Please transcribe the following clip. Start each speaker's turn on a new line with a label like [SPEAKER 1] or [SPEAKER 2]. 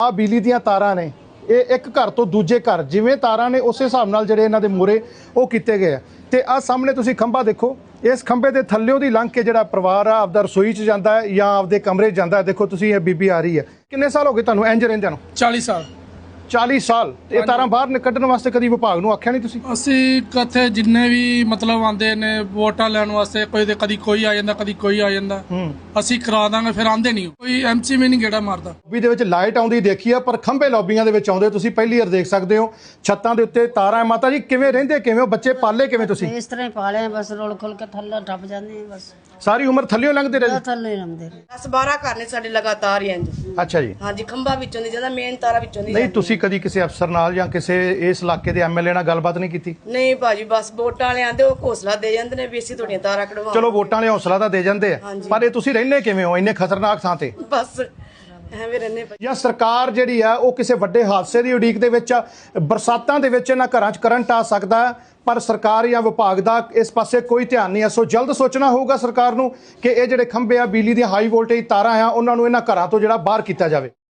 [SPEAKER 1] ਆ ਬਿਜਲੀ ਦੀਆਂ ਤਾਰਾਂ ਨੇ, ਇਹ ਇੱਕ ਘਰ ਤੋਂ ਦੂਜੇ ਘਰ ਜਿਵੇਂ ਤਾਰਾਂ ਨੇ ਉਸੇ ਹਿਸਾਬ ਨਾਲ ਜਿਹੜੇ ਇਹਨਾਂ ਦੇ ਮੂਹਰੇ ਉਹ ਕੀਤੇ ਗਏ ਆ। ਤੇ ਆ ਸਾਹਮਣੇ ਤੁਸੀਂ ਖੰਭਾ ਦੇਖੋ, ਇਸ ਖੰਭੇ ਦੇ ਥੱਲਿਓਂ ਦੀ ਲੰਘ ਕੇ ਜਿਹੜਾ ਪਰਿਵਾਰ ਆ ਆਪਦਾ ਰਸੋਈ 'ਚ ਜਾਂਦਾ ਹੈ ਜਾਂ ਆਪਦੇ ਕਮਰੇ 'ਚ ਜਾਂਦਾ ਹੈ। ਦੇਖੋ ਤੁਸੀਂ, ਇਹ ਬੀਬੀ ਆ ਰਹੀ ਹੈ। ਕਿੰਨੇ ਸਾਲ ਹੋ ਗਏ ਤੁਹਾਨੂੰ ਇੰਜ ਰਹਿੰਦਿਆਂ ਨੂੰ?
[SPEAKER 2] 40 ਸਾਲ।
[SPEAKER 1] 40 ਸਾਲ। ਇਹ ਤਾਰਾਂ ਬਾਹਰ ਕੱਢਣ ਵਾਸਤੇ ਕਦੀ ਵਿਭਾਗ ਨੂੰ ਆਖਿਆ ਨਹੀਂ ਤੁਸੀਂ?
[SPEAKER 2] ਅਸੀਂ ਕਿੱਥੇ ਜਿੰਨੇ ਵੀ ਮਤਲਬ ਆਉਂਦੇ ਨੇ ਵੋਟਾਂ ਲੈਣ ਵਾਸਤੇ, ਕੋਈ ਤੇ ਕਦੀ ਕੋਈ ਆ ਜਾਂਦਾ, ਕਦੀ ਕੋਈ ਆ ਜਾਂਦਾ, ਅਸੀਂ ਕਰਾ ਦਾਂਗੇ, ਫਿਰ ਆਂਦੇ ਨਹੀਂ, ਕੋਈ ਐਮਸੀ ਵੀ ਨਹੀਂ ਗੇੜਾ ਮਾਰਦਾ।
[SPEAKER 1] ਲੌਬੀ ਦੇ ਵਿੱਚ ਲਾਈਟ ਆਉਂਦੀ ਦੇਖੀ ਆ, ਪਰ ਖੰਭੇ ਲੌਬੀਆਂ ਦੇ ਵਿੱਚ ਆਉਂਦੇ ਤੁਸੀਂ ਪਹਿਲੀ ਵਾਰ ਦੇਖ ਸਕਦੇ ਹੋ। ਛੱਤਾਂ ਦੇ ਉੱਤੇ ਤਾਰਾਂ। ਮਾਤਾ ਜੀ ਕਿਵੇਂ ਰਹਿੰਦੇ, ਕਿਵੇਂ ਹੋ? ਬੱਚੇ ਪਾਲੇ ਕਿਵੇਂ ਤੁਸੀਂ?
[SPEAKER 3] ਇਸ ਤਰ੍ਹਾਂ ਹੀ ਪਾਲੇ, ਬਸ ਰੋਲ ਖੋਲ ਕੇ ਥੱਲੇ ਟੱਪ ਜਾਂਦੇ ਆ, ਬਸ
[SPEAKER 1] ਸਾਰੀ ਉਮਰ ਥੱਲਿਓਂ ਲੰਘਦੇ ਰਹੇ?
[SPEAKER 3] ਥੱਲੇ ਲੰਘਦੇ
[SPEAKER 4] 10-12 ਘਰ ਨੇ ਸਾਡੇ ਲਗਾਤਾਰ ਹੀ ਇੰਜ।
[SPEAKER 1] ਅੱਛਾ ਜੀ।
[SPEAKER 4] ਹਾਂਜੀ, ਖੰਭਾ ਵਿੱਚੋਂ ਦੀ ਜਾਂਦਾ, ਮੇਨ ਤਾਰਾ ਵਿੱਚੋਂ ਦੀ
[SPEAKER 1] ਨਹੀਂ, ਤੁਸੀਂ ਕਦੀ ਕਿਸੇ ਅਫਸਰ ਨਾਲ ਜਾਂ ਕਿਸੇ ਇਸ ਇਲਾਕੇ ਦੇ ਐਮਐਲਏ ਨਾਲ ਗੱਲਬਾਤ ਨਹੀਂ ਕੀਤੀ?
[SPEAKER 4] ਨਹੀਂ ਭਾਜੀ, ਬਸ ਵੋਟਾਂ ਵਾਲੇ ਆਂਦੇ, ਉਹ ਹੌਸਲਾ ਦੇ ਜਾਂਦੇ ਨੇ ਵੀ ਅਸੀਂ ਤੁਹਾਡੀਆਂ ਤਾਰਾਂ ਕਢਵਾ।
[SPEAKER 1] ਚਲੋ ਵੋਟਾਂ ਵਾਲੇ ਹੌਸਲਾ ਤਾਂ ਦੇ ਜਾਂਦੇ ਆ, ਪਰ ਇਹ ਤੁਸੀਂ ਰਹਿੰਦੇ ਕਿਵੇਂ ਹੋ ਇੰਨੇ ਖਤਰਨਾਕ ਥਾਂ ਤੇ?
[SPEAKER 4] ਬਸ ਐਵੇਂ ਰਹਿੰਦੇ ਭਾਜੀ।
[SPEAKER 1] ਜਾਂ ਸਰਕਾਰ ਜਿਹੜੀ ਆ ਉਹ ਕਿਸੇ ਵੱਡੇ ਹਾਦਸੇ ਦੀ ਉਡੀਕ ਦੇ ਵਿੱਚ ਆ। ਬਰਸਾਤਾਂ ਦੇ ਵਿੱਚ ਇਹਨਾਂ ਘਰਾਂ 'ਚ ਕਰੰਟ ਆ ਸਕਦਾ, ਪਰ ਸਰਕਾਰ ਜਾਂ ਵਿਭਾਗ ਦਾ ਇਸ ਪਾਸੇ ਕੋਈ ਧਿਆਨ ਨਹੀਂ ਹੈ। ਸੋ ਜਲਦ ਸੋਚਣਾ ਹੋਊਗਾ ਸਰਕਾਰ ਨੂੰ ਕਿ ਇਹ ਜਿਹੜੇ ਖੰਭੇ ਆ ਬਿਜਲੀ ਦੀਆਂ ਹਾਈ ਵੋਲਟੇਜ ਤਾਰਾਂ ਆ, ਉਹਨਾਂ ਨੂੰ ਇਹਨਾਂ ਘਰਾਂ ਤੋਂ ਜਿਹੜਾ ਬਾਹਰ ਕੀਤਾ ਜਾਵੇ।